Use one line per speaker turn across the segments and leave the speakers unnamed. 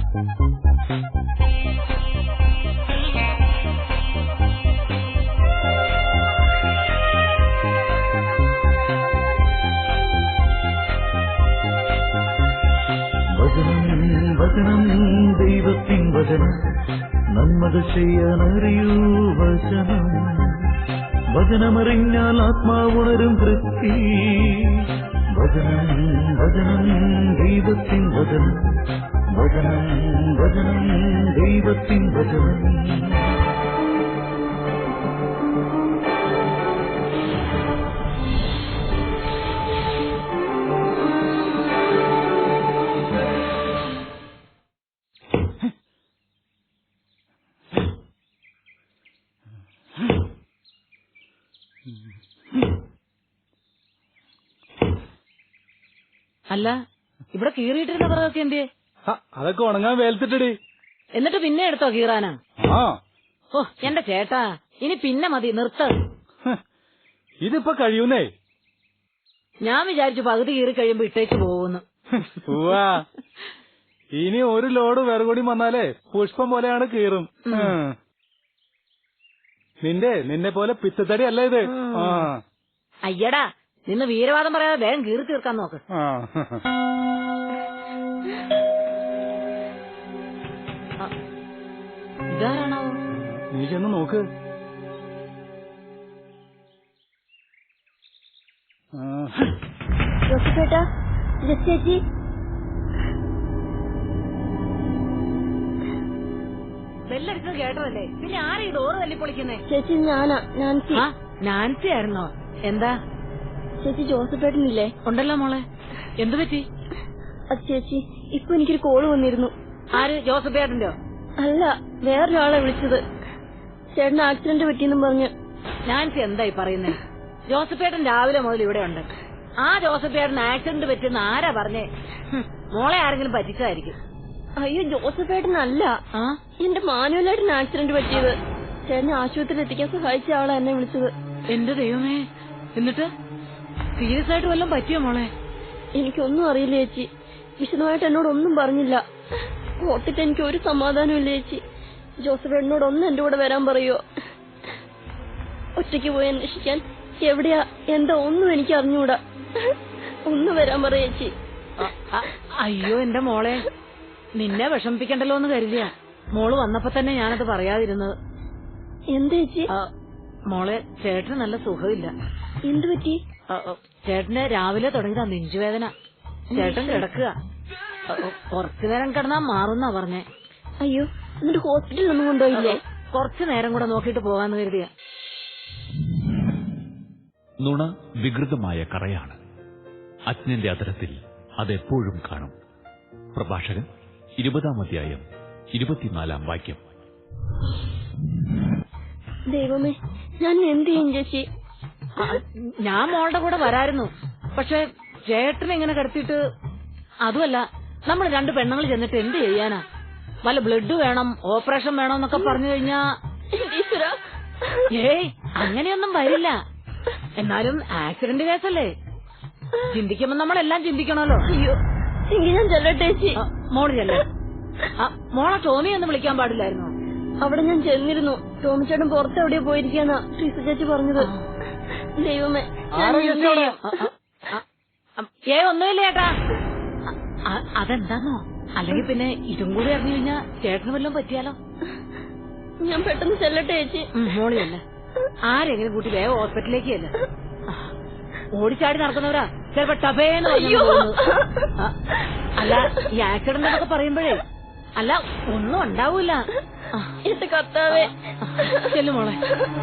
വചനം ദൈവത്തിൻ വചനം നന്മകൾ ചെയ്യാനറിയൂ വചനം. വചനമറിഞ്ഞാൽ ആത്മാവുണരും തൃപ്തി. വചനം ദൈവത്തിൻ വചനം. വചനം ദൈവത്തിൻ വചനം.
അല്ല, ഇവിടെ കീറിയിട്ടിരുന്ന പറയൊക്കെ എന്തേ?
അതൊക്കെ ഉണങ്ങാൻ വേൽത്തിട്ടടി.
എന്നിട്ട് പിന്നെ എടുത്തോ കീറാനാ? ഓ എന്റെ ചേട്ടാ, ഇനി പിന്നെ മതി, നിർത്ത്.
ഇതിപ്പോ കഴിയൂന്നേ.
ഞാൻ വിചാരിച്ചു പകുതി കീറി കഴിയുമ്പോ ഇട്ടേച്ച് പോകുന്നു.
ഇനി ഒരു ലോഡ് വിറകൂടി വന്നാലേ പുഷ്പം പോലെയാണ് കീറും. നിന്നെ പോലെ പിച്ചത്തടി അല്ല ഇത്.
അയ്യടാ, നിന്ന് വീരവാദം പറയാതെ വേഗം കീറി തീർക്കാൻ നോക്ക്. ഇതാരാണോ?
നീ ചെന്ന് നോക്ക്.
ചേട്ടാ, ചേച്ചി,
ബെല്ലടിച്ചത് കേട്ടതല്ലേ, പിന്നെ ആരാ ഈ ഡോറ് തല്ലിപ്പൊളിക്കുന്നേ?
ചേച്ചി ഞാനാ, നാൻസി.
നാൻസി ആയിരുന്നോ? എന്താ
ചേച്ചി? ജോസഫേട്ടനില്ലേ?
ഉണ്ടല്ലോ മോളെ, എന്തു പറ്റി?
അത് ചേച്ചി, ഇപ്പൊ എനിക്കൊരു കോള് വന്നിരുന്നു.
ആര്? ജോസഫേട്ടന്റെയോ?
അല്ല, വേറൊരാളെ വിളിച്ചത്. ചേട്ടന് ആക്സിഡന്റ് പറ്റിയെന്നും പറഞ്ഞ്.
നാൻസി എന്തായി പറയുന്നേ? ജോസഫേട്ടൻ രാവിലെ മുതൽ ഇവിടെ ഉണ്ട്. ആ ജോസഫേട്ടൻ ആക്സിഡന്റ് പറ്റിയെന്ന് ആരാ പറഞ്ഞേ? മോളെ ആരെങ്കിലും പറ്റിച്ചതായിരിക്കും.
അയ്യോ, ജോസഫേട്ടനല്ല, എന്റെ മാനുവലായിട്ടാണ് ആക്സിഡന്റ് പറ്റിയത്. ചേട്ടനെ ആശുപത്രിയിൽ എത്തിക്കാൻ സഹായിച്ച ആളാ എന്നെ വിളിച്ചത്.
എന്റെ ദൈവമേ, എന്നിട്ട് സീരിയസ് ആയിട്ട് വല്ലതും പറ്റിയോ മോളെ?
എനിക്കൊന്നും അറിയില്ല ചേച്ചി, വിശദമായിട്ട് എന്നോടൊന്നും പറഞ്ഞില്ല. ഓർത്തിട്ട് എനിക്ക് ഒരു സമാധാനം ഇല്ല ചേച്ചി. ജോസഫേട്ടനോട് ഒന്ന് എന്റെ കൂടെ വരാൻ പറയോ? ഒറ്റയ്ക്ക് പോയി അന്വേഷിക്കാൻ എവിടെയാ എന്താ ഒന്നും എനിക്ക് അറിഞ്ഞൂടാ. ഒന്ന് വരാൻ പറ ചേച്ചി.
അയ്യോ എന്റെ മോളെ, നിന്നെ വിഷമിപ്പിക്കണ്ടല്ലോ എന്ന് കരുതിയാ മോള് വന്നപ്പോ തന്നെ ഞാനത് പറയാതിരുന്നത്.
എന്താ ചേച്ചി?
മോളെ, ചേട്ടന് നല്ല സുഖമില്ല.
എന്തു പറ്റി?
ചേട്ടന് രാവിലെ തുടങ്ങിയതാ നെഞ്ചുവേദന. ചേട്ടൻ കിടക്കുക, കുറച്ചു നേരം കിടന്നാ മാറുന്നാ പറഞ്ഞേ.
അയ്യോ, എന്നിട്ട് ഹോസ്പിറ്റലിൽ ഒന്നും കൊണ്ടുപോയില്ലേ?
കുറച്ചു നേരം കൂടെ നോക്കിട്ട് പോകാന്ന് കരുതിയ.
നുണ വികൃതമായ കറയാണ്. അജ്ഞന്റെ അധരത്തിൽ അതെപ്പോഴും കാണും. പ്രഭാഷകൻ 20-ാം അധ്യായം 24-ാം വാക്യം.
ദൈവമേ, ഞാൻ എന്ത് ചെയ്യും ചേച്ചി?
ഞാൻ മോളുടെ കൂടെ വരായിരുന്നു, പക്ഷെ ചേട്ടനെ ഇങ്ങനെ കിടത്തിയിട്ട്. അതുമല്ല, നമ്മൾ രണ്ട് പെണ്ണുങ്ങൾ ചെന്നിട്ട് എന്ത് ചെയ്യാനാ? വല്ല ബ്ലഡ് വേണം, ഓപ്പറേഷൻ വേണം എന്നൊക്കെ പറഞ്ഞു കഴിഞ്ഞാ ഏയ് അങ്ങനെയൊന്നും വരില്ല. എന്നാലും ആക്സിഡന്റ് കേസല്ലേ, ചിന്തിക്കുമ്പോ നമ്മളെല്ലാം ചിന്തിക്കണമല്ലോ.
അയ്യോ, എങ്കിൽ ഞാൻ ചെല്ലട്ടെ ചേച്ചി?
മോള് ചെല്ലേ. മോളെ ടോമിയൊന്നും വിളിക്കാൻ പാടില്ലായിരുന്നു.
അവിടെ ഞാൻ ചെന്നിരുന്നു. ടോമിച്ചേട്ടൻ പുറത്തെവിടെയോ പോയിരിക്കാന്നാ ട്രീസ ചേച്ചി പറഞ്ഞത്. ദൈവമേ,
ഒന്നുമില്ല ചേട്ടാ. അതെന്താന്നോ? അല്ലെങ്കിൽ പിന്നെ ഇതും കൂടി അറിഞ്ഞു കഴിഞ്ഞാ ചേട്ടന് വല്ലതും പറ്റിയാലോ?
ഞാൻ പെട്ടെന്ന് ചെല്ലട്ടെ ചേച്ചി?
മോളിയല്ല, ആരെങ്കിലും കൂട്ടി വേഗം ഹോസ്പിറ്റലിലേക്ക് അല്ല. ഓടിച്ചാടി നടക്കുന്നവരാ ചിലപ്പോ ടബേന്ന് പറഞ്ഞു. അല്ല, ഈ ആക്സിഡന്റ് എന്നൊക്കെ പറയുമ്പോഴേ അല്ല ഒന്നും ഉണ്ടാവൂല.
എന്റെ കർത്താവേ,
ചെല്ലു മോളെ.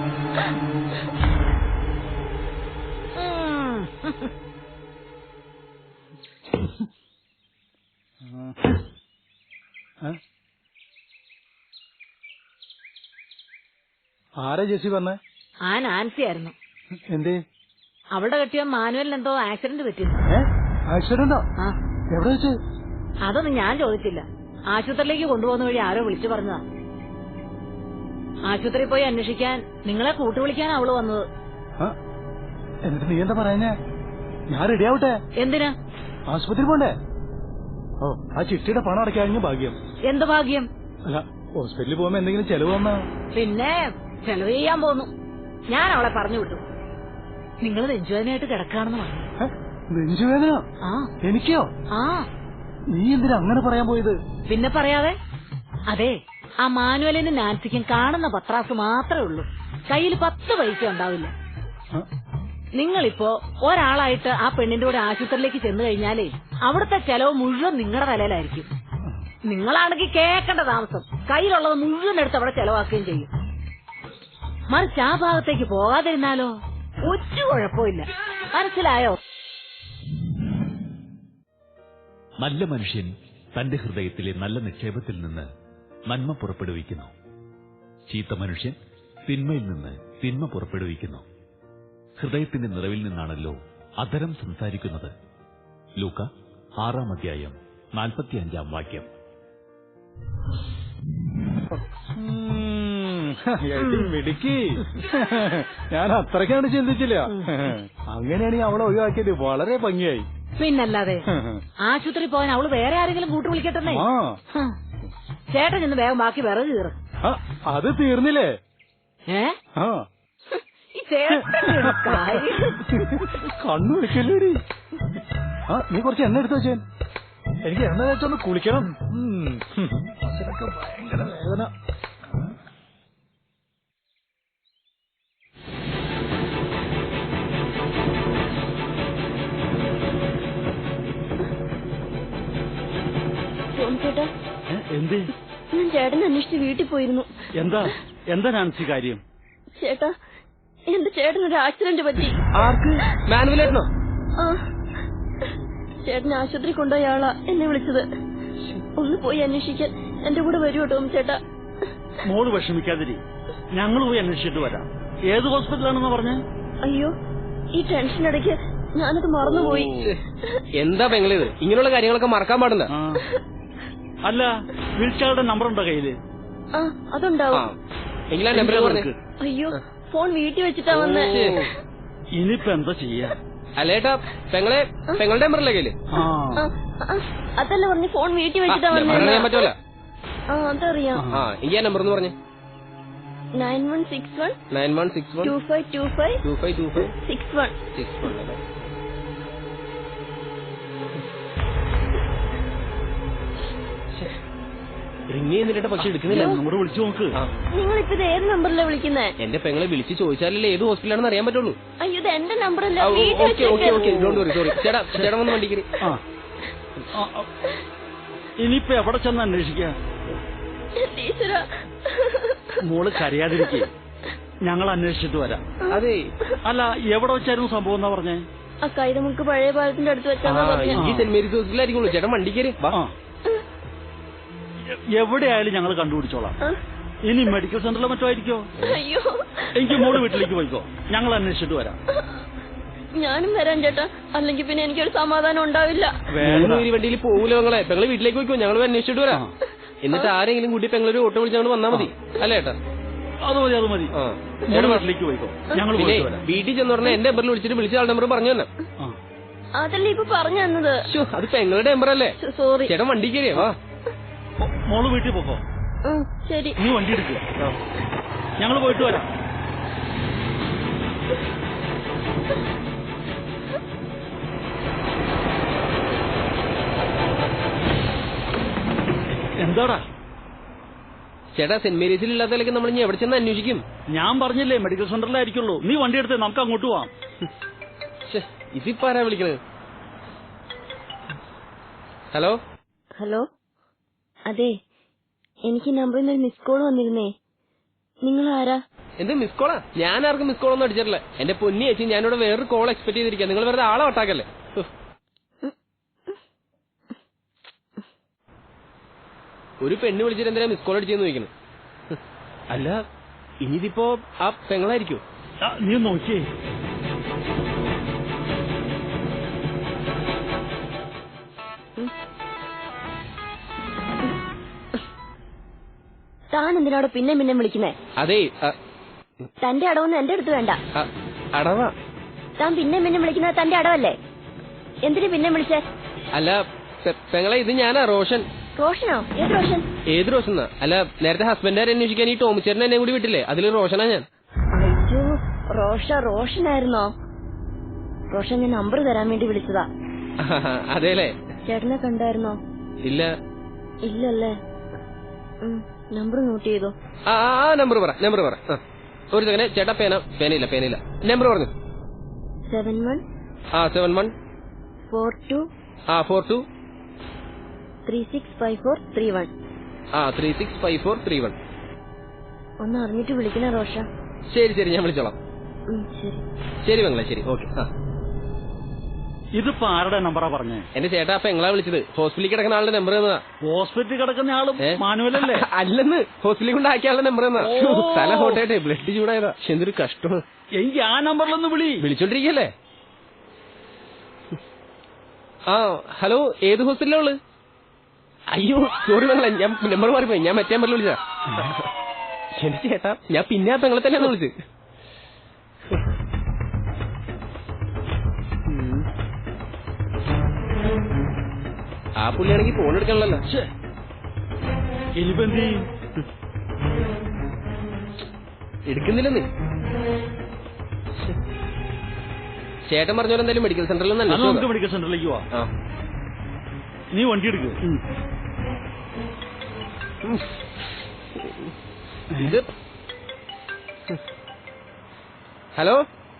ആരാ ചേച്ചി പറഞ്ഞേ?
ആ നാൻസി ആയിരുന്നു.
എന്തേ?
അവളുടെ കെട്ടിയ മാനുവലിന് എന്തോ ആക്സിഡന്റ് പറ്റിയിരുന്നു.
ആക്സിഡന്റോ? എവിടെ വെച്ച്?
അതൊന്നും ഞാൻ ചോദിച്ചില്ല. ആശുപത്രിയിലേക്ക് കൊണ്ടുപോകുന്ന വഴി ആരോ വിളിച്ചു പറഞ്ഞതാ. ആശുപത്രിയിൽ പോയി അന്വേഷിക്കാൻ നിങ്ങളെ കൂട്ടുവിളിക്കാൻ അവള് വന്നത്.
എന്നിട്ട് നീ എന്താ പറയുന്നേ? ഞാൻ റെഡി ആവട്ടെ?
എന്തിനാ?
ആശുപത്രി പോണ്ടേ? ഓ ആ ചിട്ടിയുടെ പണം അടയ്ക്കാഞ്ഞ ഭാഗ്യം.
എന്ത് ഭാഗ്യം?
അല്ല ഹോസ്പിറ്റലിൽ പോകുമ്പോ എന്തെങ്കിലും ചെലവ് വന്നാ?
പിന്നെ ചെലവ് ചെയ്യാൻ പോന്നു. ഞാൻ അവളെ പറഞ്ഞു വിട്ടു. നിങ്ങൾ നെഞ്ചുവേദനയായിട്ട് കിടക്കാണെന്ന് പറഞ്ഞു.
നെഞ്ചുവേദന?
ആ
എനിക്കോ?
ആ
നീ എന്തിനാ അങ്ങനെ പറയാൻ പോയത്?
പിന്നെ പറയാതെ. അതെ, ആ മാനുവലിനും നാൻസിക്കും കാണുന്ന പത്രാസ് മാത്രമേ ഉള്ളൂ. കയ്യിൽ 10 പൈസ ഉണ്ടാവില്ല. നിങ്ങളിപ്പോ ഒരാളായിട്ട് ആ പെണ്ണിന്റെ കൂടെ ആശുപത്രിയിലേക്ക് ചെന്നു കഴിഞ്ഞാലേ അവിടുത്തെ ചെലവ് മുഴുവൻ നിങ്ങളുടെ തലയിലായിരിക്കും. നിങ്ങളാണെങ്കിൽ കേൾക്കേണ്ട താമസം. കയ്യിലുള്ളത് മുഴുവൻ എടുത്ത് അവിടെ ചെലവാക്കുകയും ചെയ്യും. മറിച്ച് ആ ഭാഗത്തേക്ക് പോകാതിരുന്നാലോ ഒരു കുഴപ്പമില്ല. മനസ്സിലായോ?
നല്ല മനുഷ്യൻ തന്റെ ഹൃദയത്തിലെ നല്ല നിക്ഷേപത്തിൽ നിന്ന് നന്മ പുറപ്പെടുവിക്കുന്നു. ചീത്ത മനുഷ്യൻ തിന്മയിൽ നിന്ന് തിന്മ പുറപ്പെടുവിക്കുന്നു. ഹൃദയത്തിന്റെ നിറവിൽ നിന്നാണല്ലോ അധരം സംസാരിക്കുന്നത്. ലൂക്ക 6-ാം അധ്യായം 45-ാം വാക്യം.
മിടുക്കി. ഞാൻ അത്രയ്ക്കാണ് ചിന്തിച്ചില്ല. അങ്ങനെയാണെങ്കിൽ അവളെ ഒഴിവാക്കിയത് വളരെ ഭംഗിയായി.
പിന്നല്ലാതെ ആശുപത്രി പോകാൻ അവള് വേറെ ആരെങ്കിലും കൂട്ടു വിളിക്കട്ടെ. ചേട്ടൻ ഇന്ന് വേഗം ബാക്കി വിറക് കീറും.
അത് തീർന്നില്ലേ?
ഈ ചേട്ടൻ
കണ്ണു വെക്കല്ലേടി. നീ കുറച്ച് എണ്ണ എടുത്തു വെച്ചേ. എനിക്ക് എണ്ണ വെച്ചൊന്ന് കുളിക്കണം. അച്ഛനൊക്കെ ഭയങ്കര വേദന.
ചേട്ടാ,
എന്ത്?
ഞാൻ ചേട്ടനെ അന്വേഷിച്ച് വീട്ടിൽ പോയിരുന്നു.
എന്താ നാൻസി കാര്യം?
ചേട്ടാ, എന്റെ ചേട്ടനൊരു ആക്സിഡന്റ് പറ്റി.
ആർക്ക്? മാനുവലേട്ടനോ?
ആ, ചേട്ടൻ ആശുപത്രി കൊണ്ടുപോയ ആളാ എന്നെ വിളിച്ചത്. ഒന്ന് പോയി അന്വേഷിക്കാൻ എന്റെ കൂടെ വരുമോ ടോം ചേട്ടാ?
മോള് വിഷമിക്കാതിരി, ഞങ്ങൾ പോയി അന്വേഷിച്ചിട്ട് വരാം. ഏത് ഹോസ്പിറ്റലാണെന്ന് പറഞ്ഞ?
അയ്യോ, ഈ ടെൻഷനിടയ്ക്ക് ഞാനത് മറന്നുപോയി.
എന്താ പെങ്ങളിത്? ഇങ്ങനെയുള്ള കാര്യങ്ങളൊക്കെ മറക്കാൻ പാടില്ല.
അല്ല, വിളിച്ചയാളുടെ നമ്പർ ഉണ്ടോ കയ്യില്?
ആ, അതുണ്ടാവും.
എങ്കിലാ നമ്പർ പറഞ്ഞു.
അയ്യോ, ഫോൺ വീട്ടിൽ വെച്ചിട്ടാ വന്നേ.
ഇനിയിപ്പോ എന്താ ചെയ്യാ?
അല്ലേട്ടാ, പെങ്ങളുടെ നമ്പറല്ലേ കയ്യില്?
അതല്ല പറഞ്ഞു, ഫോൺ വീട്ടിൽ വെച്ചിട്ടാ വന്നേ.
പറയാൻ പറ്റുമല്ലോ.
ആ, അതറിയാം.
എനിക്ക് ആ നമ്പർ എന്ന് പറഞ്ഞു.
9161
9161
2525
2525
61
61 അല്ലേ? റിങ് ചെയ്യുന്നില്ല, പക്ഷെ എടുക്കുന്നില്ല.
നമ്പർ വിളിച്ചു നോക്ക്.
നിങ്ങളിപ്പോ ഇത് ഏത് നമ്പറിലാ വിളിക്കുന്നേ?
എന്റെ പെങ്ങളെ വിളിച്ച് ചോദിച്ചാലല്ലേ ഏത് ഹോസ്പിറ്റലാണെന്ന് അറിയാൻ പറ്റുള്ളൂ.
അയ്യോ, ഇത് എന്റെ നമ്പറല്ല.
സോറി. ചേട്ടാ വന്ന് വണ്ടിക്ക്.
ഇനിയിപ്പോ എവിടെ ചെന്ന് അന്വേഷിക്കാ? മോള് കരയാതിരിക്കേ, ഞങ്ങൾ അന്വേഷിച്ചിട്ട് വരാം.
അതെ.
അല്ല, എവിടെ വെച്ചായിരുന്നു സംഭവം എന്നാ പറഞ്ഞേ?
ആ കൈതമുക്ക് പഴയ പാലത്തിന്റെ അടുത്ത് വെച്ചാന്നാ പറഞ്ഞേ.
ഈ സെന്റ് മേരീസ് ഹോസ്പിറ്റലായിരിക്കുള്ളൂ. ചേട്ടൻ വണ്ടി കയറി.
എവിടെയായാലും ഞങ്ങൾ കണ്ടുപിടിച്ചോളാം. ഇനി മെഡിക്കൽ സെന്ററിലോ മറ്റോ ആയിരിക്കോ?
അയ്യോ,
എനിക്ക് മോള് വീട്ടിലേക്ക് പോയിക്കോ, ഞങ്ങൾ അന്വേഷിച്ചിട്ട് വരാം.
ഞാനും വരാൻ ചേട്ടാ, അല്ലെങ്കിൽ പിന്നെ എനിക്കൊരു സമാധാനം ഉണ്ടാവില്ല.
ഈ വണ്ടിയിൽ പോകൂല പെങ്ങളെ. പെങ്ങളെ വീട്ടിലേക്ക് പോയിക്കോ, ഞങ്ങൾ അന്വേഷിച്ചിട്ട് വരാം. എന്നിട്ട് ആരെങ്കിലും കൂട്ടി പെങ്ങളൊരു ഓട്ടോ വിളിച്ച് ഞങ്ങൾ വന്നാൽ മതി. അല്ലേ ഏട്ടാ?
അത് മതി. വീട്ടിലേക്ക് പോയിക്കോ, ഞങ്ങൾ
വീട്ടിൽ ചെന്ന് പറഞ്ഞാൽ എന്റെ നമ്പറിൽ വിളിച്ച ആളുടെ നമ്പർ പറഞ്ഞു തന്നെ.
അതല്ലേ ഇപ്പൊ പറഞ്ഞു തന്നത്.
അത് പെങ്ങളുടെ നമ്പർ അല്ലേ?
സോറി.
ചേട്ടൻ വണ്ടി കയറിയോ?
മോള് വീട്ടിൽ പോക്കോ.
ശരി,
നീ വണ്ടി എടുക്കുക, ഞങ്ങൾ പോയിട്ട് വരാം. എന്താടാ?
ചേട്ടാ, സെന്റ് മേരീസിൽ ഇല്ലാത്തതിലേക്ക് നമ്മൾ ഇനി എവിടെ ചെന്ന് അന്വേഷിക്കും?
ഞാൻ പറഞ്ഞില്ലേ മെഡിക്കൽ സെന്ററിലായിരിക്കുള്ളൂ. നീ വണ്ടി എടുത്ത് നമുക്ക് അങ്ങോട്ട് പോവാം.
ഇതിപ്പോ ആരാ വിളിക്കണത്? ഹലോ.
ഹലോ, അതെ, എനിക്ക് നമ്പറിൽ നിന്ന് ഒരു മിസ് കോൾ വന്നിരുന്നേ. നിങ്ങൾ ആരാ?
എന്ത് മിസ് കോളാ? ഞാൻ ആർക്കും മിസ് കോളൊന്നും അടിച്ചിട്ടില്ല. എന്റെ പൊന്നി ചേച്ചി, ഞാനിവിടെ വേറൊരു കോൾ എക്സ്പെക്ട് ചെയ്തിരിക്കാം. നിങ്ങൾ വെറുതെ ആളെ ഒട്ടാക്കല്ലേ. ഒരു പെണ്ണ് വിളിച്ചിട്ട് എന്തിനാ മിസ് കോൾ അടിച്ചെന്ന് ചോദിക്കണം. അല്ല, ഇനിയിപ്പോ ആ പെങ്ങളായിരിക്കോ?
നീ നോക്കിയേ.
താൻ എന്തിനാടോ പിന്നെ വിളിക്കുന്നേ?
അതെ,
തന്റെ അടവൊന്നും എന്റെ അടുത്ത് വേണ്ട.
അടവാ?
താൻ പിന്നെ വിളിക്കുന്നത് തന്റെ അടവല്ലേ? എന്തിനു പിന്നെ വിളിച്ചേ?
അല്ല, പെങ്ങളെ ഇത് ഞാനാ റോഷൻ.
റോഷനോ? ഏത് റോഷൻ?
ഏത് റോഷൻ? അല്ല, നേരത്തെ ഹസ്ബൻഡാരെ അന്വേഷിക്കാൻ ഈ ടോമിച്ചേട്ടൻ എന്നെ കൂടി വിട്ടില്ലേ, അതിൽ റോഷനാ ഞാൻ.
അയ്യോ, റോഷനായിരുന്നോ? റോഷൻ, ഞാൻ നമ്പർ തരാൻ വേണ്ടി വിളിച്ചതാ.
അതെല്ലേ?
ചേട്ടനെ കണ്ടായിരുന്നോ?
ഇല്ല.
ഇല്ലല്ലേ? നമ്പർ നോട്ട് ചെയ്തോ?
ആ നമ്പർ പറ. ഒരു സെക്കൻഡ് ചേട്ടാ. പേനയില്ല. നമ്പർ പറഞ്ഞു.
71
71
42
42
365431.
365431.
ഒന്ന് അറിഞ്ഞിട്ട് വിളിക്കണേ റോഷ.
ശരി, ഞാൻ വിളിച്ചോളാം. ശരി പെങ്ങളെ, ശരി, ഓക്കെ.
ഇതിപ്പോ ആരുടെ നമ്പറാ പറഞ്ഞേ?
എന്റെ ചേട്ടാ പെങ്ങളാ വിളിച്ചത്. ഹോസ്പിറ്റലിൽ കിടക്കുന്ന ആളുടെ നമ്പർ തന്നതാ.
ഹോസ്പിറ്റലിൽ കിടക്കുന്ന ആളും മാനുവലല്ലേ?
അല്ലെന്ന്, ഹോസ്പിറ്റലിൽ കൊണ്ട് ആക്കിയാളുടെ നമ്പർ തന്നാ. തല ഹോട്ടായിട്ടെ, ബ്ലഡ് ചൂടായതാ. എന്തൊരു കഷ്ടമാണ്.
എനിക്ക് ആ നമ്പറിലൊന്ന്
വിളിച്ചോണ്ടിരിക്കല്ലേ? ഹലോ, ഏത് ഹോസ്പിറ്റലാ ഉള്ളത്? അയ്യോ സോറി പെങ്ങളെ, ഞാൻ നമ്പർ മാറിപ്പോയി. ഞാൻ മറ്റേ നമ്പറിൽ വിളിച്ചാ. എന്റെ ചേട്ടാ, ഞാൻ പിന്നെ ആ പെങ്ങളെ തന്നെയാണ് വിളിച്ചത്. ആ പുള്ളിയാണെങ്കിൽ ഫോൺ എടുക്കണല്ലോ. എടുക്കുന്നില്ലെന്ന് ചേട്ടൻ പറഞ്ഞോലെ. എന്തായാലും മെഡിക്കൽ സെന്ററിൽ
നമുക്ക് മെഡിക്കൽ സെന്ററിലേക്ക് പോവാം. നീ വണ്ടി എടുക്ക്.
ഇത് ഹലോ,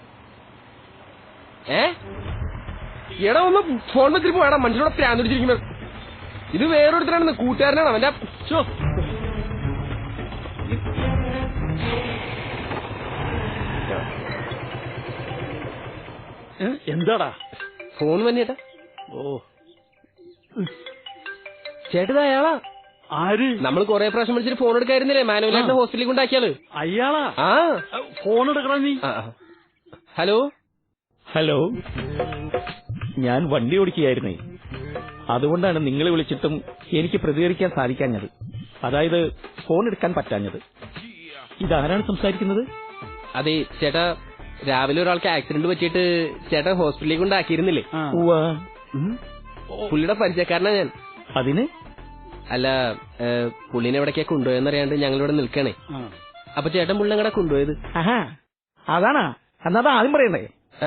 എടാ ഒന്ന് ഫോൺ വെച്ചിട്ട് പോയാടാ. മനുഷ്യനോട് പ്രാന്തിടിച്ചിരിക്കുന്നത്. ഇത് വേറൊരുത്തരാണെന്ന്, കൂട്ടുകാരനാണ് അവന്റെ.
എന്താടാ?
ഫോൺ തന്നെയേട്ടാ.
ഓ
ചേട്ടത് അയാളാ.
ആര്?
നമ്മൾ കൊറേ പ്രാവശ്യം വിളിച്ചിട്ട് ഫോൺ എടുക്കായിരുന്നില്ലേ, മാനുവലായിട്ട് ഹോസ്പിറ്റലിൽ കൊണ്ടാക്കിയാള്.
അയാളാ? ഫോൺ എടുക്കണം നീ.
ഹലോ,
ഞാൻ വണ്ടി ഓടിക്കുകയായിരുന്നേ. അതുകൊണ്ടാണ് നിങ്ങളെ വിളിച്ചിട്ടും എനിക്ക് പ്രതികരിക്കാൻ സാധിക്കാഞ്ഞത്. അതായത് ഫോൺ എടുക്കാൻ പറ്റാഞ്ഞത്. ഇതാരാണ് സംസാരിക്കുന്നത്?
അതെ ചേട്ടാ, രാവിലെ ഒരാൾക്ക് ആക്സിഡന്റ് പറ്റിയിട്ട് ചേട്ടൻ ഹോസ്പിറ്റലിൽ കൊണ്ടാക്കിയിരുന്നില്ലേ? പുള്ളിയുടെ പരിചയക്കാരനാ ഞാൻ.
അതിന്?
അല്ല, പുള്ളിനെ എവിടേക്കാ കൊണ്ടുപോയെന്നറിയാണ്ട് ഞങ്ങളിവിടെ നിൽക്കണേ. അപ്പൊ ചേട്ടൻ പുള്ളി എങ്ങടെ കൊണ്ടുപോയത്?
അതാണാ? എന്നാ ആദ്യം പറയണ്ടേ?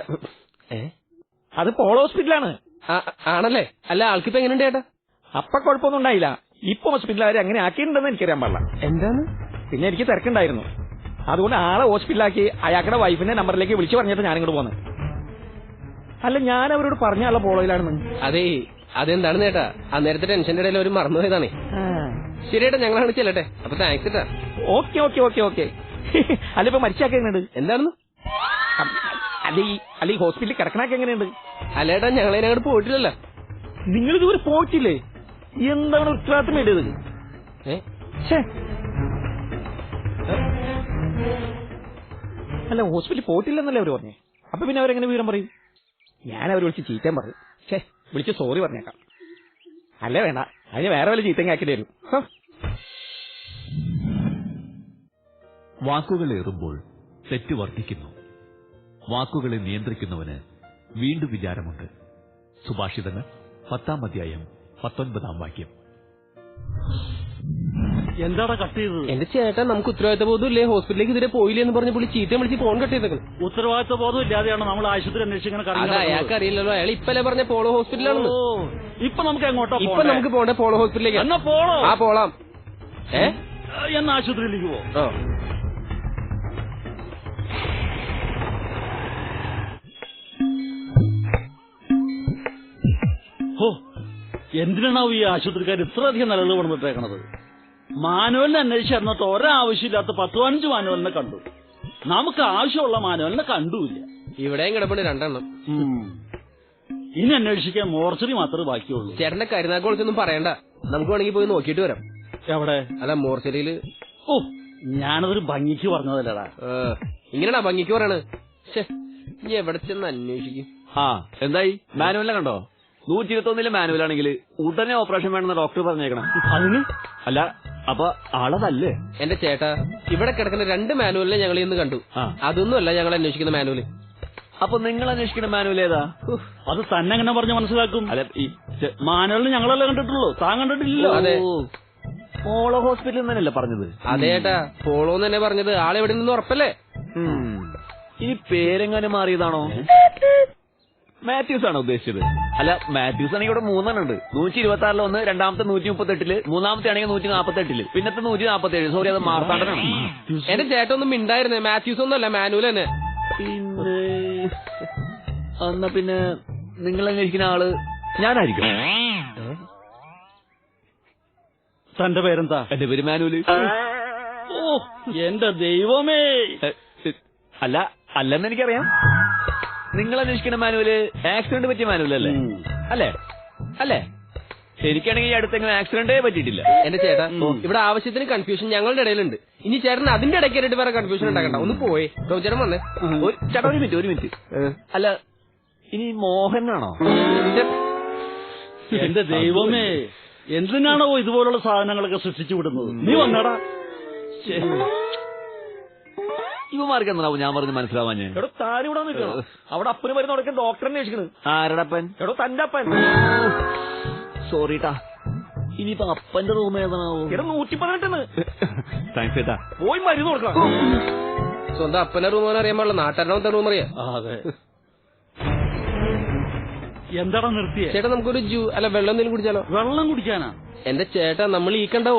അത് പോളോ ഹോസ്പിറ്റലാണ്.
ആണല്ലേ? അല്ല, ആൾക്കിപ്പോ എങ്ങനെയുണ്ട് ചേട്ടാ?
അപ്പൊ കുഴപ്പമൊന്നും ഉണ്ടായില്ല. ഇപ്പൊ ഹോസ്പിറ്റലിൽ അവർ എങ്ങനെ ആക്കിയിട്ടുണ്ടെന്ന് എനിക്കറിയാൻ പാടില്ല.
എന്താണ്?
പിന്നെ എനിക്ക് തിരക്കുണ്ടായിരുന്നു. അതുകൊണ്ട് ആളെ ഹോസ്പിറ്റലാക്കി അയാളുടെ വൈഫിന്റെ നമ്പറിലേക്ക് വിളിച്ചു പറഞ്ഞിട്ട് ഞാനിങ്ങോട്ട് പോന്നെ. അല്ല, ഞാൻ അവരോട് പറഞ്ഞ ആളെ പോളോയിലാണെന്ന്.
അതെ, അതെന്താണെന്ന് ചേട്ടാ, അന്നേരത്തെ ടെൻഷന്റെ ഇടയിൽ ഒരു മറന്നുപോയതാണേ. ശരിയേട്ടാ, ഞങ്ങളാണ് ചെല്ലട്ടെ. അപ്പൊ താങ്ക്സ് ചേട്ടാ.
ഓക്കെ. അല്ല, ഇപ്പൊ മരിച്ചാക്ക എങ്ങനെയുണ്ട്?
എന്താണെന്ന്?
അല്ല, ഈ ഹോസ്പിറ്റലിൽ കിടക്കണൊക്കെ എങ്ങനെയുണ്ട്?
അല്ലേട്ടാ, ഞങ്ങളതിനങ്ങോട്ട് പോയിട്ടില്ലല്ലോ.
നിങ്ങൾ ഇതുവരെ പോയിട്ടില്ലേ? എന്താണ് ഉത്തരവാദിത്തം വേണ്ടത്? അല്ല, ഹോസ്പിറ്റലിൽ പോയിട്ടില്ലെന്നല്ലേ അവര് പറഞ്ഞേ. അപ്പൊ പിന്നെ അവരെങ്ങനെ വിവരം പറയും? ഞാൻ അവർ വിളിച്ച് ചീത്തയും പറയും. വിളിച്ച് സോറി പറഞ്ഞേക്കാം. അല്ലേ വേണ്ട, അതിന് വേറെ വല്ല ചീത്തയും ആക്കേണ്ടി വരും.
വാക്കുകളേറുമ്പോൾ തെറ്റ് വർദ്ധിക്കുന്നു. വാക്കുകളെ നിയന്ത്രിക്കുന്നവന് വീണ്ടും വിചാരമുണ്ട്. സുഭാഷിതങ്ങൾ 10-ാം അധ്യായം 19-ാം വാക്യം.
എന്താടാ കട്ട് ചെയ്തത്?
എന്റെ ചേട്ടാ, നമുക്ക് ഉത്തരവാദിത്ത ബോധം ഇല്ലേ? ഹോസ്പിറ്റലിലേക്ക് ഇതുവരെ പോയില്ലേ എന്ന് പറഞ്ഞ് പുള്ളി ചീത്തയും വിളിച്ച് ഫോൺ കട്ട് ചെയ്തേക്കണം.
ഉത്തരവാദിത്ത ബോധം ഇല്ലാതെയാണ് നമ്മൾ ആശുപത്രി അന്വേഷിക്കുന്നത്.
അയാൾക്ക് അറിയില്ലല്ലോ. അയാൾ ഇപ്പല്ലേ പറഞ്ഞ പോളോ ഹോസ്പിറ്റലാണെന്ന്.
ഇപ്പൊ നമുക്ക് എങ്ങോട്ടാ?
ഇപ്പൊ നമുക്ക് പോണ്ടേ പോളോ ഹോസ്പിറ്റലിലേക്ക്.
എന്നാ പോളോ?
പോളാം.
എന്നാ ആശുപത്രിയിലേക്ക് പോ. എന്തിനാണാവും ഈ ആശുപത്രിക്കാർ ഇത്രയധികം നിലവിൽ കൊണ്ടിട്ടേക്കണത്? മാനുവലിനെ അന്വേഷിച്ച് എന്നിട്ട് ഒരാവശ്യമില്ലാത്ത 10-15 മാനുവലിനെ കണ്ടു. നമുക്ക് ആവശ്യമുള്ള മാനുവലിനെ കണ്ടുമില്ല.
ഇവിടെയും കിടപ്പുണ്ട് 2 എണ്ണം.
ഇനി അന്വേഷിക്കാൻ മോർച്ചറി മാത്രമേ ബാക്കിയുള്ളൂ.
ചേട്ടന്റെ കരുനാക്കോളത്തൊന്നും പറയണ്ട, നമുക്ക് വേണമെങ്കിൽ പോയി നോക്കിയിട്ട് വരാം.
എവിടെ?
അല്ല, മോർച്ചറിയില്.
ഞാനതൊരു ഭംഗിക്ക് പറഞ്ഞതല്ലടാ.
ഇങ്ങനെയാ ഭംഗിക്ക് പറയണത്? ഇനി എവിടെ ചെന്ന് അന്വേഷിക്കും?
എന്തായി? മാനുവലിനെ കണ്ടോ? 121 മാനുവലാണെങ്കിൽ ഉടനെ ഓപ്പറേഷൻ വേണമെന്ന് ഡോക്ടർ പറഞ്ഞേക്കണം.
അതിന്?
അല്ല, അപ്പൊ ആളതല്ലേ?
എന്റെ ചേട്ടാ, ഇവിടെ കിടക്കുന്ന 2 മാനുവലിനെ ഞങ്ങൾ ഇന്ന് കണ്ടു. അതൊന്നുമല്ല ഞങ്ങൾ അന്വേഷിക്കുന്ന മാനുവല്.
അപ്പൊ നിങ്ങൾ അന്വേഷിക്കുന്ന മാനുവൽ ഏതാ?
അത് തന്നെ എങ്ങനെ പറഞ്ഞ് മനസ്സിലാക്കും?
അല്ല ഈ
മാനുവലിന് ഞങ്ങളല്ലേ കണ്ടിട്ടുള്ളൂ, താൻ കണ്ടിട്ടില്ലല്ലോ.
അതെ.
പോളോ ഹോസ്പിറ്റലിൽ നിന്നല്ലേ പറഞ്ഞത്?
അതെ ഏട്ടാ, പോളോ തന്നെ പറഞ്ഞത്. ആളെവിടെ നിന്ന് ഉറപ്പല്ലേ?
ഇനി പേരെങ്ങാനും മാറിയതാണോ? മാത്യൂസ് ആണോ ഉദ്ദേശിച്ചത്? അല്ല, മാത്യൂസ് ആണെങ്കിൽ ഇവിടെ 3 ഉണ്ട്. 126 ഒന്ന്, രണ്ടാമത്തെ 138, മൂന്നാമത്തെ ആണെങ്കിൽ 148, പിന്നത്തെ 147. സോറി, അത് മാർത്താണ്ഡനാണ്.
എന്റെ ചേട്ടൊന്നും മിണ്ടായിരുന്നേ. മാത്യൂസ് ഒന്നും അല്ല, മാനുവൽ തന്നെ.
പിന്നെ എന്നാ പിന്നെ നിങ്ങൾ അന്വേഷിക്കുന്ന ആള് ഞാനായിരിക്കും.
തന്റെ പേരെന്താ?
എന്റെ പേര് മാനുവല്.
ഓ എന്റെ ദൈവമേ.
അല്ല അല്ലെന്ന് എനിക്കറിയാം. നിങ്ങൾ അന്വേഷിക്കുന്ന മാനുവല് ആക്സിഡന്റ് പറ്റിയ മാനുവലല്ലേ? അല്ലേ? അല്ലേ? ശരിക്കാണെങ്കിൽ ഈ അടുത്തെങ്കിലും ആക്സിഡന്റേ പറ്റിയിട്ടില്ല.
എന്റെ ചേട്ടാ, ഇവിടെ ആവശ്യത്തിന് കൺഫ്യൂഷൻ ഞങ്ങളുടെ ഇടയിലുണ്ട്. ഇനി ചേട്ടൻ അതിന്റെ ഇടയ്ക്കായിട്ട് വേറെ കൺഫ്യൂഷൻ ഉണ്ടാക്കണ്ട. ഒന്ന് പോയേ ചേട്ടൻ വന്നേ.
ചേട്ടാ ഒരു മിനിറ്റ്. അല്ല, ഇനി മോഹനാണോ?
എന്റെ ദൈവമേ, എന്തിനാണോ ഇതുപോലുള്ള സാധനങ്ങളൊക്കെ സൃഷ്ടിച്ചു വിടുന്നത്? നീ വന്നടാ.
ഇവമാർക്ക് എന്താവും ഞാൻ പറഞ്ഞ് മനസ്സിലാവാൻ?
എടോ താനിവിടെ നിൽക്കണം. അവിടെ അപ്പന് മരുന്ന് കൊടുക്കാൻ ഡോക്ടറെ അന്വേഷിക്കണ്.
ആരടപ്പൻ?
എടോ തന്റെ അപ്പൻ.
സോറിട്ടാ. ഇനിയിപ്പോ അപ്പന്റെ റൂം ഏതാണാവോ?
എടോ 118.
താങ്ക്സ് ചേട്ടാ.
പോയി മരുന്ന് കൊടുക്കണം.
സ്വന്തം അപ്പന്റെ റൂം അറിയാൻ പാടില്ല, നാട്ടുകാരനത്തെ റൂം അറിയാം.
അതെ. എന്താടാ നിർത്തിയേ?
ചേട്ടാ നമുക്കൊരു അല്ല വെള്ളം എന്തെങ്കിലും കുടിച്ചാലോ?
വെള്ളം കുടിക്കാനാ?
എന്റെ ചേട്ടാ, നമ്മൾ ഈ കണ്ട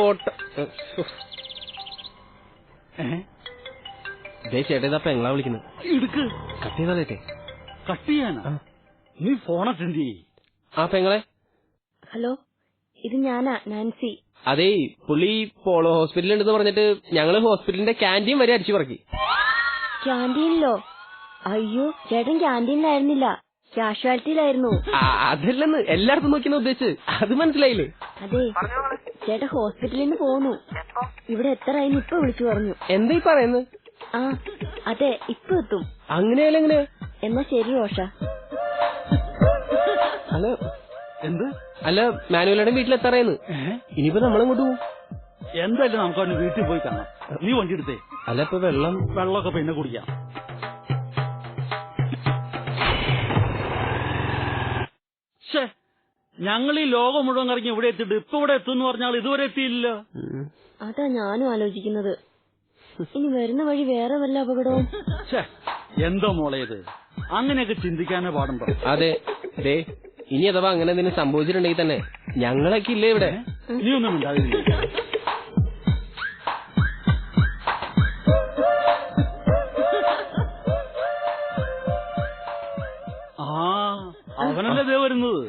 ചേട്ടാ ഇതാ പെങ്ങളാ വിളിക്കുന്നത്.
എടുക്ക്.
കട്ട് ചെയ്താലേ.
കട്ട് ചെയ്യാനാ? നീ ഫോൺ അറ്റൻഡ് ചെയ്യ്.
ആ പെങ്ങളെ.
ഹലോ, ഇത് ഞാനാ, നാൻസി.
അതേ, പുള്ളി പോളോ ഹോസ്പിറ്റലിൽ ഉണ്ടെന്ന് പറഞ്ഞിട്ട് ഞങ്ങള് ഹോസ്പിറ്റലിന്റെ ക്യാൻറ്റീൻ വരെ അടിച്ചു പറക്കി.
ക്യാൻറ്റീനിലോ? അയ്യോ, ചേട്ടൻ ക്യാൻറ്റീനിലായിരുന്നില്ല, കാഷ്വാലിറ്റിയിലായിരുന്നു.
അതല്ലെന്ന് എല്ലായിടത്തും നോക്കിയെന്ന് ഉദ്ദേശിച്ച്. അത് മനസ്സിലായില്ലേ?
അതെ, ചേട്ടൻ ഹോസ്പിറ്റലിൽ നിന്ന് പോന്നു. ഇവിടെ എത്രയായി ഇപ്പൊ വിളിച്ചു പറഞ്ഞു.
എന്താ ഈ പറയുന്നത്?
ആ അതെ, ഇപ്പൊ എത്തും.
അങ്ങനെയല്ല എങ്ങനെ?
എന്നാ ശരി റോഷ.
അല്ല
എന്ത്?
അല്ല, മാനുവലുടെ വീട്ടിലെത്താറായെന്ന്. ഇനിയിപ്പോ നമ്മളിങ്ങോട്ട് പോകും.
എന്തായാലും നമുക്ക് അവന് വീട്ടിൽ പോയി കാണാം. നീ വണ്ടി എടുത്തേ.
അല്ല, ഇപ്പൊ
വെള്ളമൊക്കെ പിന്നെ കുടിക്കാം. ഞങ്ങൾ ഈ ലോകം മുഴുവൻ കറങ്ങി ഇവിടെ എത്തിയിട്ട് ഇപ്പൊ ഇവിടെ എത്തുമെന്ന് പറഞ്ഞാൽ ഇതുവരെ എത്തിയില്ല.
അതാ ഞാനും ആലോചിക്കുന്നത്. ഇനി വരുന്ന വഴി വേറെ വല്ല അപകടവും?
എന്തോ മോളെ ഇത്, അങ്ങനെയൊക്കെ ചിന്തിക്കാനേ പാടുണ്ടോ?
അതെ, ഇനി അഥവാ അങ്ങനെ എന്തെങ്കിലും സംഭവിച്ചിട്ടുണ്ടെങ്കിൽ തന്നെ ഞങ്ങളൊക്കെ ഇല്ലേ ഇവിടെ?
നീ ഒന്നും ഉണ്ടാവില്ല. അവനല്ലേ ദേ വരുന്നത്.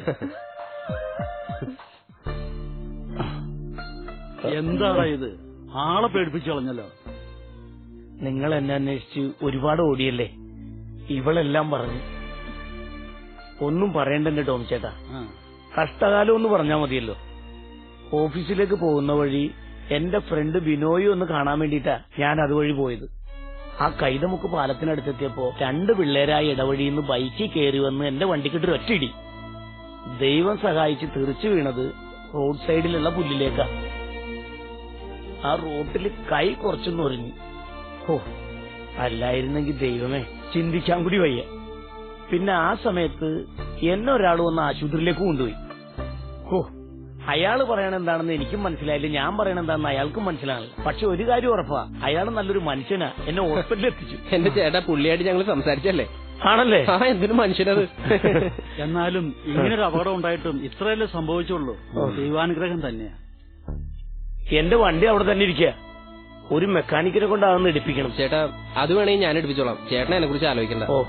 എന്താടാ ഇത്, ആളെ പേടിപ്പിച്ചു കളഞ്ഞല്ലോ.
നിങ്ങൾ എന്നെ അന്വേഷിച്ച് ഒരുപാട് ഓടിയല്ലേ, ഇവളെല്ലാം പറഞ്ഞു. ഒന്നും പറയണ്ടെന്റെ ടോം ചേട്ടാ, കഷ്ടകാലം ഒന്ന് പറഞ്ഞാ മതിയല്ലോ. ഓഫീസിലേക്ക് പോകുന്ന വഴി എന്റെ ഫ്രണ്ട് ബിനോയി ഒന്ന് കാണാൻ വേണ്ടിയിട്ടാ ഞാൻ അതുവഴി പോയത്. ആ കൈതമുക്ക് പാലത്തിനടുത്തെത്തിയപ്പോ 2 പിള്ളേരായി ഇടവഴിയിൽ നിന്ന് ബൈക്കിൽ കയറി വന്ന് എന്റെ വണ്ടിക്കിട്ട് ഒറ്റയിടി. ദൈവം സഹായിച്ച് തെറിച്ചു വീണത് റോഡ് സൈഡിലുള്ള പുല്ലിലേക്കാ. ആ റോട്ടിൽ കൈ കുറച്ചൊന്ന് ഒരിഞ്ഞു. ഓ, അല്ലായിരുന്നെങ്കിൽ ദൈവമേ, ചിന്തിക്കാൻ കൂടി വയ്യ. പിന്നെ ആ സമയത്ത് എന്നെ ഒരാൾ വന്ന് ആശുപത്രിയിലേക്ക് കൊണ്ടുപോയി. ഓ, അയാള് പറയണ എന്താണെന്ന് എനിക്കും മനസ്സിലായില്ല, ഞാൻ പറയണ എന്താണെന്ന് അയാൾക്കും മനസ്സിലായില്ല. പക്ഷെ ഒരു കാര്യം ഉറപ്പാ, അയാൾ നല്ലൊരു മനുഷ്യനാ. എന്നെ ഹോസ്പിറ്റലിൽ എത്തിച്ചു.
എന്റെ ചേട്ടാ, പുള്ളിയായിട്ട് ഞങ്ങൾ സംസാരിച്ചല്ലേ?
ആണല്ലേ?
ആ, എന്തിനു മനുഷ്യനത്.
എന്നാലും ഇങ്ങനൊരു അപകടം ഉണ്ടായിട്ടും ഇത്രയല്ലേ സംഭവിച്ചുള്ളൂ. ദൈവാനുഗ്രഹം തന്നെയാ.
എന്റെ വണ്ടി അവിടെ തന്നെ ഇരിക്കുക. ഒരു മെക്കാനിക്കിനെ കൊണ്ട് അതൊന്ന് എടുപ്പിക്കണം.
ചേട്ടാ, അത് വേണമെങ്കിൽ ഞാൻ എടുപ്പിച്ചോളാം. ചേട്ടനെ എന്നെ കുറിച്ച് ആലോചിക്കണ്ട.
ഓ,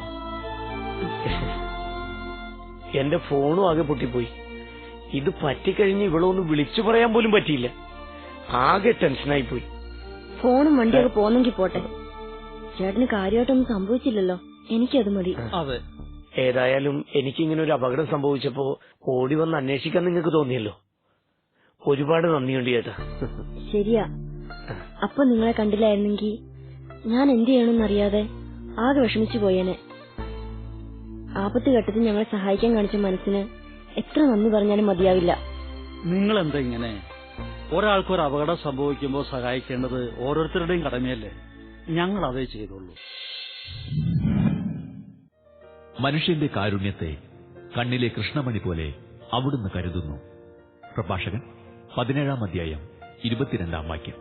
എന്റെ ഫോണും ആകെ പൊട്ടിപ്പോയി. ഇത് പറ്റിക്കഴിഞ്ഞ് ഇവളൊന്ന് വിളിച്ചു പറയാൻ പോലും പറ്റിയില്ല. ആകെ ടെൻഷനായി പോയി.
ഫോണും വണ്ടിയൊക്കെ പോന്നെങ്കിൽ പോട്ടെ, ചേട്ടന് കാര്യമായിട്ടൊന്നും സംഭവിച്ചില്ലല്ലോ, എനിക്കത് മതി.
അതെ,
ഏതായാലും എനിക്കിങ്ങനെ ഒരു അപകടം സംഭവിച്ചപ്പോ ഓടി വന്ന് അന്വേഷിക്കാൻ നിങ്ങൾക്ക് തോന്നിയല്ലോ. ഒരുപാട് നന്ദിയുണ്ട് ചേട്ടാ.
ശരിയാ, അപ്പൊ നിങ്ങളെ കണ്ടില്ലായിരുന്നെങ്കിൽ ഞാൻ എന്ത് ചെയ്യണമെന്നറിയാതെ ആകെ വിഷമിച്ചു പോയേനെ. ആപത്ത് ഘട്ടത്തിൽ ഞങ്ങളെ സഹായിക്കാൻ കാണിച്ച മനസ്സിന് എത്ര നന്ദി പറഞ്ഞാലും മതിയാവില്ല.
നിങ്ങളെന്താ ഇങ്ങനെ? ഒരാൾക്കൊരു അപകടം സംഭവിക്കുമ്പോൾ സഹായിക്കേണ്ടത് ഓരോരുത്തരുടെയും കടമയല്ലേ? ഞങ്ങൾ അതേ ചെയ്തോളൂ.
മനുഷ്യന്റെ കാരുണ്യത്തെ കണ്ണിലെ കൃഷ്ണമണി പോലെ അവിടുന്ന് കരുതുന്നു. പ്രഭാഷകൻ 17-ാം അധ്യായം 22-ാം വാക്യം.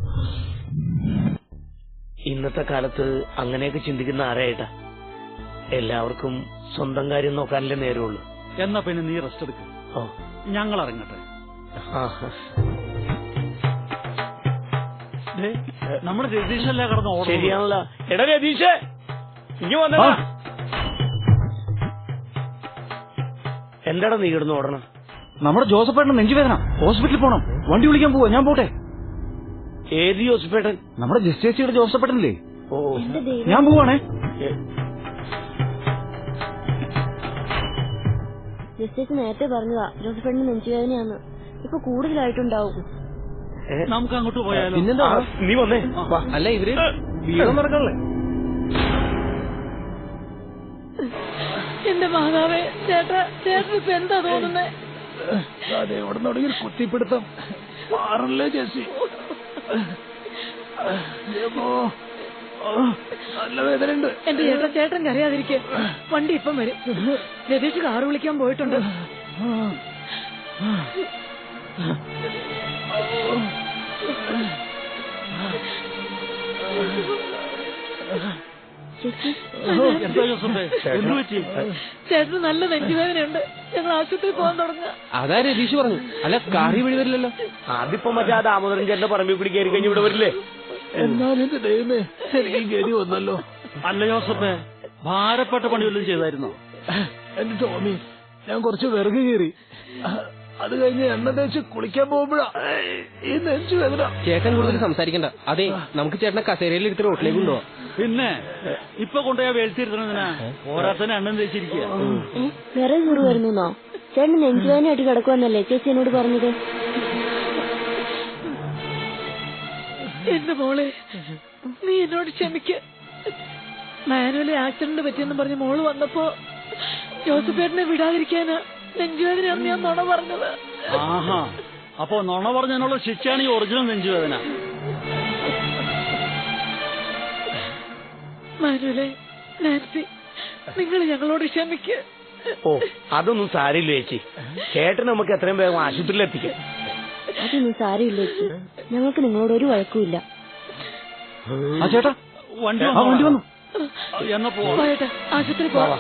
ഇന്നത്തെ കാലത്ത് അങ്ങനെയൊക്കെ ചിന്തിക്കുന്ന ആരായിട്ടാ? എല്ലാവർക്കും സ്വന്തം കാര്യം നോക്കാനല്ലേ നേരമുള്ളൂ.
എന്നാ പിന്നെ നീ റെസ്റ്റ് എടുക്കും, ഞങ്ങൾ ഇറങ്ങട്ടെ. നമ്മുടെ രതീഷല്ലേ കടന്ന് ഓടും.
ശരിയാണല്ലോ. എടാ രതീഷേ, ഇനി വന്നടാ. എന്താടാ നീ കിടന്ന് ഓടണം?
നമ്മുടെ ജോസഫേട്ടൻ നെഞ്ചുവേദന, ഹോസ്പിറ്റലിൽ പോണം. വണ്ടി വിളിക്കാൻ പോവാ, ഞാൻ പോട്ടെ.
ഏത് ജോസഫേട്ടൻ?
നമ്മുടെ ജസ്റ്റേച്ചിയുടെ ജോസഫേട്ടനില്ലേ?
ഓ,
ഞാൻ പോവാണേ.
ജസ്റ്റേഴ്സ് നേരത്തെ പറഞ്ഞതാ ജോസഫേട്ടന് നെഞ്ചുവേദനയാന്ന്. ഇപ്പൊ കൂടുതലായിട്ടുണ്ടാവും.
നമുക്ക് അങ്ങോട്ട് പോയാലോ?
പിന്നെന്താ,
നീ വന്നേ.
അല്ല ഇവര് വീടും നടക്കണല്ലേ?
എന്റെ മാതാവേ, ചേട്ടൻ ഇപ്പൊ എന്താ തോന്നുന്നേ?
അവിടെ തുടങ്ങി കുത്തിപ്പിടുത്തം മാറല്ലേ ചേച്ചി. നല്ല വേദനയുണ്ട്.
എന്റെ ചേട്ടൻ കരയാതിരിക്കെ, വണ്ടി ഇപ്പം വരും. രതീഷ് കാറ് വിളിക്കാൻ പോയിട്ടുണ്ട്.
എന്താ ജോസഫേ, എന്ത് പറ്റി?
ചേട്ടന് നല്ല നെഞ്ചുവേദനയുണ്ട്, ഞങ്ങൾ ആശുപത്രിയിൽ പോകാൻ തുടങ്ങുക.
അതാ രതീഷ് പറഞ്ഞു. അല്ല കാറി വഴി വരില്ലല്ലോ.
അതിപ്പോ മറ്റേ ആ ദാമോദരൻ ചേട്ടന്റെ പറമ്പിൽ കൂടി കയറി കഴിഞ്ഞ് ഇവിടെ വരില്ലേ?
എന്നാലും എന്റെ ദൈവമേ, എനിക്ക് ഗതി വന്നല്ലോ.
അല്ല ജോസഫേ, ഭാരപ്പെട്ട പണി വല്ലതും ചെയ്തായിരുന്നോ?
എന്റെ ടോമി, ഞാൻ കുറച്ച് വിറക് കയറി, അത് കഴിഞ്ഞ് എണ്ണ തേച്ച് കുളിക്കാൻ പോകുമ്പോഴാ ഈ നെഞ്ചു വേദന.
ചേട്ടൻ കൂടുതൽ സംസാരിക്കണ്ട. അതെ, നമുക്ക് ചേട്ടനെ കസേരയിൽ എടുത്ത് റോട്ടിലേക്ക് കൊണ്ടുപോവാം.
പിന്നെ ഇപ്പൊ കൊണ്ടുപോയാ വേഴ്ത്തിരുത്തണതിനാ? ഓരോരുത്തന്നെ എണ്ണം തേച്ചിരിക്കുക.
വേറെ കുറി വരുന്നോ? ചേട്ടന് നെഞ്ചുവേദനയായിട്ട് കിടക്കുവന്നല്ലേ ചേച്ചി എന്നോട് പറഞ്ഞത്?
എന്റെ മോളെ, നീ എന്നോട് ക്ഷമിക്ക. മാനുവലി ആക്സിഡന്റ് പറ്റിയെന്ന് പറഞ്ഞ് മോള് വന്നപ്പോ ജോസഫേട്ടനെ വിടാതിരിക്കാനാ നെഞ്ചുവേദനയാണെന്ന് ഞാൻ നുണ പറഞ്ഞത്.
ആഹാ, അപ്പൊ നുണ പറഞ്ഞതിനുള്ള ശിക്ഷയാണ് ഈ ഒറിജിനൽ നെഞ്ചുവേദന.
മാനുവലെ, നാൻസി, നിങ്ങൾ ഞങ്ങളോട് ക്ഷമിക്ക.
ഓ, അതൊന്നും സാരില്ല ചേച്ചി. ചേട്ടൻ നമുക്ക് എത്രയും വേഗം ആശുപത്രിയിൽ എത്തിക്കാം.
അതൊന്നും സാരമില്ല ചേച്ചി, ഞങ്ങൾക്ക് നിങ്ങളോട് ഒരു വഴക്കുമില്ല.
ആ ചേട്ടാ,
വണ്ടി
വന്നു.
എന്നാ
പോയേട്ടാ, ആശുപത്രി പോവാം.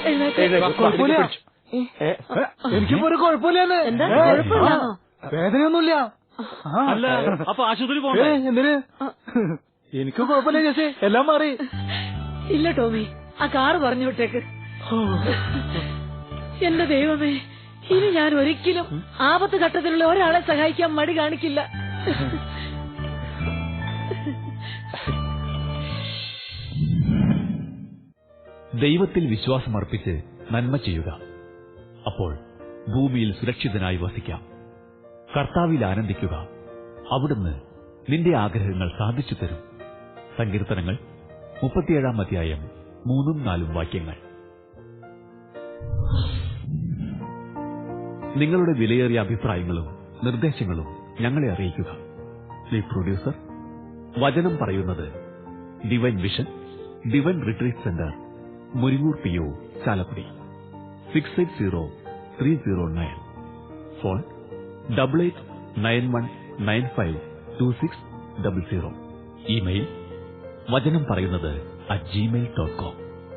എനിക്കിപ്പോ ഒരു കുഴപ്പമില്ല.
എന്താ കുഴപ്പമില്ലാന്നോ?
വേദനയൊന്നുമില്ല.
അല്ല, അപ്പൊ ആശുപത്രി പോകണ്ടേ?
എന്തിന്? എനിക്ക് കുഴപ്പമില്ല ചേച്ചി, എല്ലാം മാറി.
ഇല്ല ടോമി, ആ കാറ് പറഞ്ഞു വിട്ടേക്ക്. എന്റെ ദൈവമേ, ഇനി ഞാൻ ഒരിക്കലും ആപത്ത് ഘട്ടത്തിലുള്ള ഒരാളെ സഹായിക്കാൻ മടി കാണിക്കില്ല.
ദൈവത്തിൽ വിശ്വാസമർപ്പിച്ച് നന്മ ചെയ്യുക. അപ്പോൾ ഭൂമിയിൽ സുരക്ഷിതനായി വസിക്കാം. കർത്താവിൽ ആനന്ദിക്കുക. അവിടുന്ന് നിന്റെ ആഗ്രഹങ്ങൾ സാധിച്ചു തരും. സങ്കീർത്തനങ്ങൾ 37-ാം അധ്യായം 3-4 വാക്യങ്ങൾ. നിങ്ങളുടെ വിലയേറിയ അഭിപ്രായങ്ങളും നിർദ്ദേശങ്ങളും ഞങ്ങളെ അറിയിക്കുക. ദി പ്രൊഡ്യൂസർ, വചനം പറയുന്നത്, divine vision, divine retreat centre, Muringoor PO, Chalakudy. 680309. Phone 8891952600. Email വചനം പറയുന്നത് @gmail.com.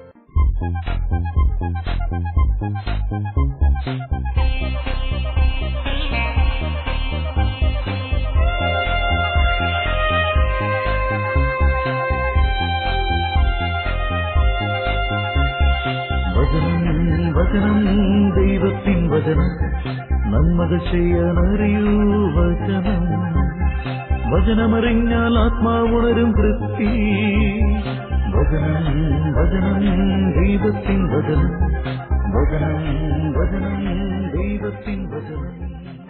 വചനം ദൈവത്തിൻ വചനം, നന്മകൾ ചെയ്യാനറിയൂ വചനം. വചനമറിഞ്ഞാൽ ആത്മാവുണരും തൃപ്തി. വചനം ദൈവത്തിൻ വചനം, വചനം ദൈവത്തിൻ വചനം.